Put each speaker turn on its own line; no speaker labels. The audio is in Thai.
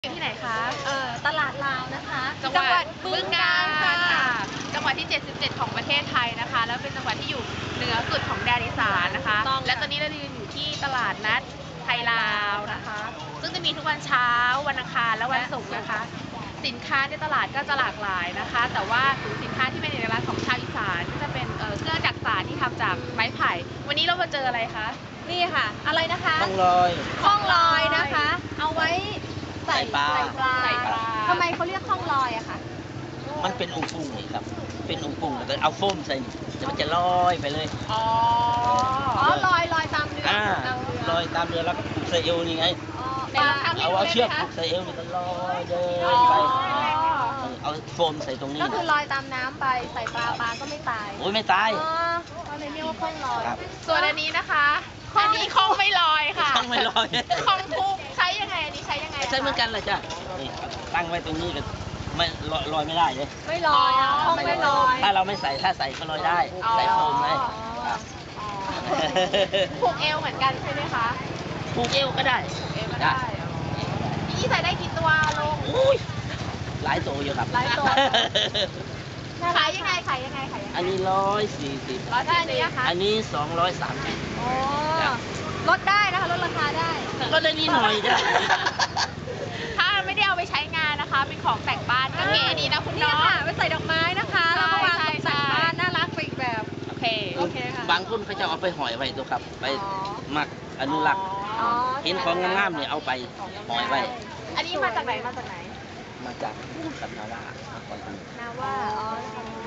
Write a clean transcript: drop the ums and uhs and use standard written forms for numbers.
ที่ไหนคะ
ตลาดลาวนะคะ
จังหวัดบึงกาฬค่ะ
ค่ะ
จังหวัดที่ 77 ของประเทศไทยนะคะ แล้วเป็นจังหวัดที่อยู่เหนือสุดของแดนอีสานนะคะ
ต้องค่ะ
และตอนนี้เรายืนอยู่ที่ตลาดนัดไทยลาวนะคะ ซึ่งจะมีทุกวันเช้า วันอังคาร และวันศุกร์นะคะ สินค้าในตลาดก็จะหลากหลายนะคะ แต่ว่าสินค้าที่เป็นเอกลักษณ์ของชาวอีสานก็จะเป็นเครื่องจักสานที่ทำจากไม้ไผ่ วันนี้เรามาเจออะไรคะ
นี่ค่ะ อะไรนะคะ
ข้องลอย
ข้องลอยนะคะ เอาไว้ใส่
ใส่ปลา
ใส่ปลา
ทำไมเขาเรียกข้องลอยอะคะ
มันเป็นองค์ปุ่งนี่ครับ เป็นองค์ปุ่งแล้วก็เอาโฟมใส่นี่แล้วมันจะลอยไปเลย
อ๋อ
อ๋อลอยตามเรือ
อ่า
ตามเรือ
ลอยตามเรือแล้วก็ผูกใส่เอวนี่ไง
อ๋อ
ไหนลองทำให้
เอา
ดู
เชือก
ได้ไหม
ผู
คะ
กใส่เอวนี่ก็ลอยเดิ
อ๋อน
ไปเอาโฟมใส่ตรงนี้
ก็คือลอยตามน้ำไปใส่ปลาก็ไม่ตาย
โอ้ยไม่ตาย
อ๋อเขาเลยเรียกว่าข้องลอย
ครับ
ส่วนอันนี้นะคะอันนี้คงไม่ลอยค่ะ
ข้องไม่ลอย
คงคุกใช้ยังไง อันนี้ใช้ยังไงะคะ
ใช่เหมือนกันเลยจ้ะนี่ตั้งไว้ตรงนี้ก็ไม่ลอยไม่ได้เลย
ไม่ลอยอะข้องไม่ลอย
ถ้าเราไม่ใส่ถ้าใส่ก็ลอยได้ ใส่โฟมเลยครับ
ผูกเอวเหมือนกันใช่ไหมคะ
ผูกเอวก็ได้
ผูกเอวก็ได้ทีนี้ใส่ได้กี่ตัวลง
อุ้ยหลายตัวอยู่ครับ
หลายตัว
ขายยังไงขายยังไงขายยังไง
อันนี้140
แล้วอันนี้อะคะ
อันนี้230
โอ้ลดได้นะคะลดราคาได้
ก็ได้นิดหน่อยจ้ะ
ถ้าไม่ได้เอาไปใช้งานนะคะ เป็นของแต่งบ้านก็เก๋ดีนะคุณ
เนี่ย
เนาะ
ค่ะไปใส่ดอกไม้นะคะ
ใช่
แล้วก็วางตก
ใช่
แต่งบ้านน่ารักไปอีกแบบ
โอเค
โอเคค่ะ
บางคนเขาจะเอาไปหอยไว้ตัวครับ ไป
อ๋อ
หมักอนุรักษ์
อ๋อ
เห็นของงามๆเนี่ยเอาไปหอยไว้
อันนี้มาจากไหนมาจากไหน
มาจากกับนาวามาก่อนกัน
นาว่าอ๋อ